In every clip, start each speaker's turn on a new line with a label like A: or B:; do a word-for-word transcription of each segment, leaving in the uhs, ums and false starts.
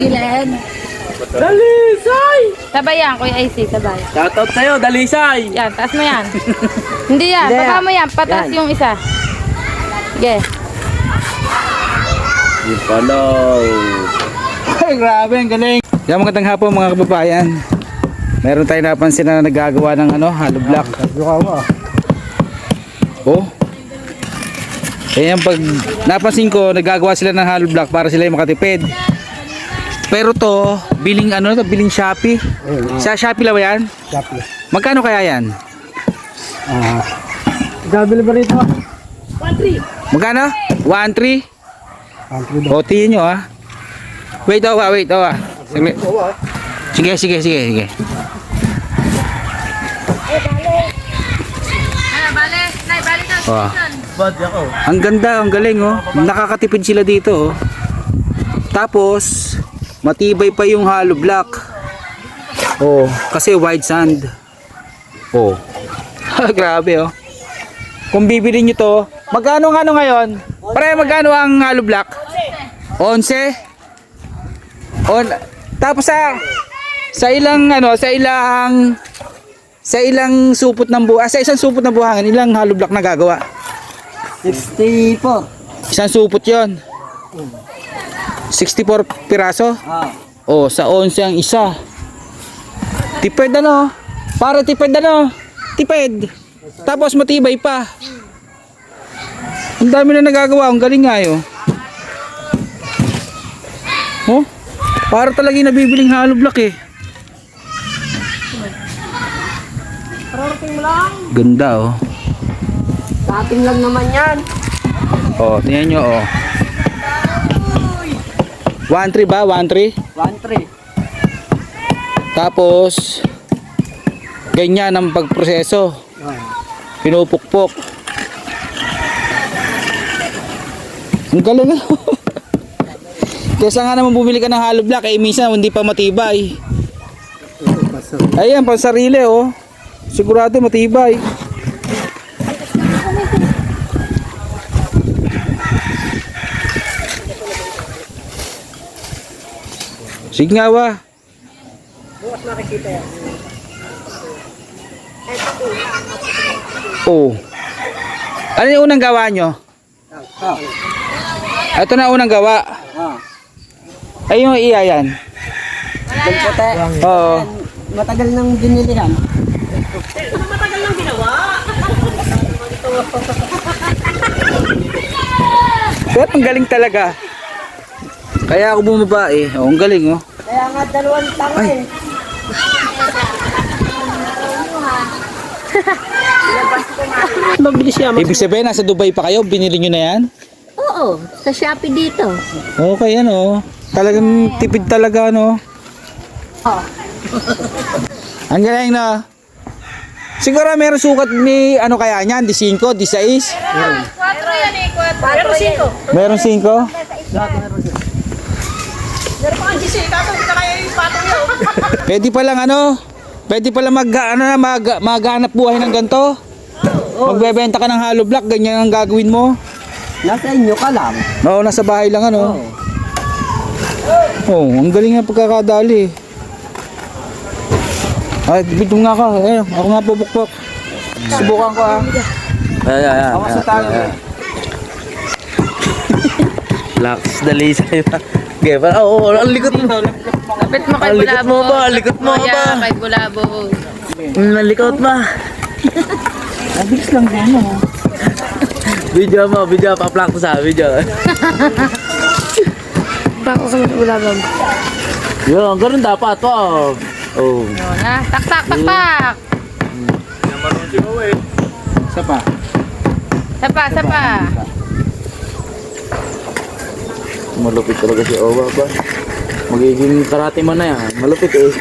A: Ilan?
B: Dalisay!
A: Sabay yan, Kuya I C, sabay.
B: Shoutout sa'yo, Dalisay!
A: Yan, taas mo yan. Hindi yan,
C: Hindi,
A: baba mo yan, pataas
C: yan.
A: yung isa. Sige.
B: Yung pala.
D: Ay, grabe, ang galing. Yan, magandang hapon mga kababayan. Meron tayo napansin na nagagawa ng ano, hollow block. Oh. Kaya pag napansin ko, nagagawa sila ng hollow block para sila yung makatipid. Pero to, biling ano to, biling Shopee. Sa Shopee lang ba yan?
C: Shopee.
D: Magkano kaya yan?
C: Ah. Gabili ba rito?
D: Magkano? one three?
C: Country daw.
D: O, tingin nyo ah. Wait, oh, wait, oh. ah. Saglit. Sige, sige, sige, sige.
A: Bale, nay, bale na.
D: Oh.
B: Bad ako.
D: Ang ganda, ang galing oh. Nakakatipid sila dito oh. Tapos matibay pa yung hollow block. Oh, kasi white sand. Oh. Grabe oh. Kung bibili niyo to, magkano ang ano ngayon? Pare, magkano ang hollow block? eleven. On tapos sa sa ilang ano, sa ilang sa ilang supot ng buhangin, sa isang supot ng buhangin, ilang hollow block na gagawa?
C: sixty-four.
D: Isang supot yon. sixty-four piraso.
C: Ah.
D: Oh, sa eleven ang isa. Tipid ano? Para tipid ano? Tipid. Tapos matibay pa. Ang dami na nagagawa. Ang galing nga yun. Oh, para talaga yung nabibiling hollow block eh.
C: Parating mo lang.
D: Ganda oh.
C: Dating lang naman yan.
D: Oh, tingnan nyo oh. one three ba? one three?
C: one three.
D: Tapos ganyan ang pagproseso.
C: Ah.
D: Pinupukpok. Ang galing ah. Kesa nga naman bumili ka ng hollow block eh minsan hindi pa matibay. Ayan, pansarili oh. Sigurado matibay. Sige nga ba?
C: Bukas nakikita yan.
D: Oh. Ano yung unang gawa nyo?
C: Ah.
D: Ito na unang gawa.
C: Ah.
D: Ay yung iya yan.
C: Dalpote.
D: Oo.
C: Matagal nang binili yan.
D: Pero ang galing talaga. Kaya ako bumaba eh. Oh, ang galing oh.
C: Kaya nga dalawang tanga eh. Mabilis siya.
D: Ibig sabihin nasa Dubai pa kayo, binili nyo na yan?
A: Oo, sa Shopee dito.
D: Okay ano. Talagang tipid talaga no.
A: Oh.
D: Ang galing na. Siguro meron sukat ni ano kaya niyan, di five, di six.
A: Quatro yan eh, quatro. Pero cinco.
D: Meron five.
A: Meron pa kang gising, tapos hindi ka kaya yung patong yun.
D: Pwede pa lang ano? Pwede pa lang mag ano na mag maghanap buhay ng ganto. Magbebenta ka ng hollow block, ganyan ang gagawin mo.
C: Nasa inyo ka lang.
D: Oo, nasa bahay lang ano.
C: Oh.
D: Oh, ang galing nga pagkakadali. Ay, bitum nga ka. Eh, ako nga pupukpok. Subukan ko ah.
B: Ay, ay, ay.
D: Ako sa talo.
B: Lax, Dalisay pa. Okay, pa. Oo, ang likot mo.
A: Kapit mo kay
B: Ang likot
A: Bulabo.
B: mo ba? Ang likot mo
A: Oh,
B: ba?
A: yeah, kay Bulabo.
B: Mm, ang likot ba?
D: Mabilis lang yan oh.
B: Video mo, video. Pa-plak ko sa video.
A: Bako sa Bulabo.
B: Yun, ganun dapat. Wow. Oh.
A: Yun na, taktak, taktak.
D: Isa pa.
A: Sapa, sapa.
B: Malupit talaga si Owa ba? Magiging karate mo na yan. Malupit eh.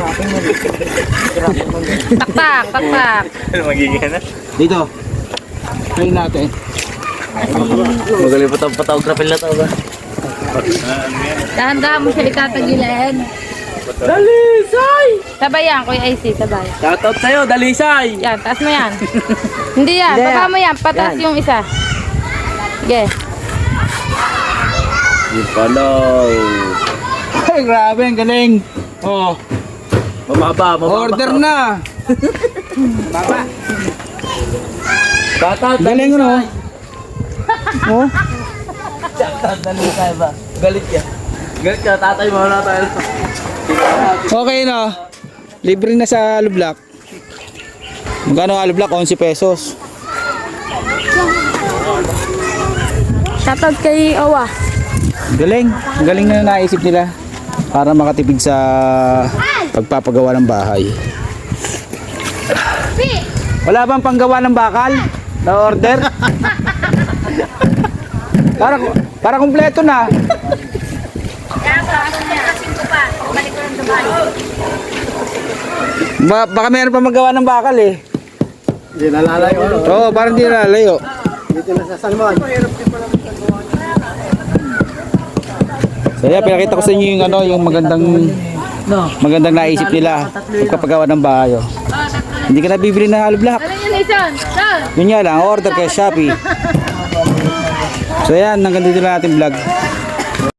A: Taktak, taktak.
B: Ano magiging na?
D: Dito. Try natin.
B: Magaling pa itong photography na ito ba?
A: Dahan-dahan mo siya itatagilin.
B: Dalisay!
A: Sabay yan, Kuya I C, sabay.
B: Shoutout sa'yo, Dalisay!
A: Yan, taas mo yan. Hindi yan,
C: Hindi.
A: baba mo yan, pataas
C: Yan.
A: yung isa. Sige.
B: Yung pala.
D: Ay, grabe, ang galing. Oh,
B: Mababa, mababa.
D: order na.
B: Tatat,
D: Galing ano? Oh,
B: Dalisay ba? Galit ka. Galit ka, tatay mo na tayo.
D: okay na. Libre na sa Alublock. Magkano Alublock? eleven pesos.
A: Shoutout kay Owa.
D: Galing. Ang galing na naisip nila para makatipid sa pagpapagawa ng bahay. Wala bang panggawa ng bakal? Na order? para para kumpleto na. Ba baka meron pa magawa ng bakal eh.
C: Hindi nalalayo.
D: Oo, parang hindi nalalayo.
C: Dito na sa Salmon.
D: So yeah, pinakita ko sa inyo yung ano, yung magandang magandang naisip nila pagpapagawa ng bahay. Oh. Hindi ka na bibili ng Alublock.
A: Ano yun, Lison? Son!
D: Yun nga lang, order kay Shopee. So yan, hanggang dito lang ating vlog.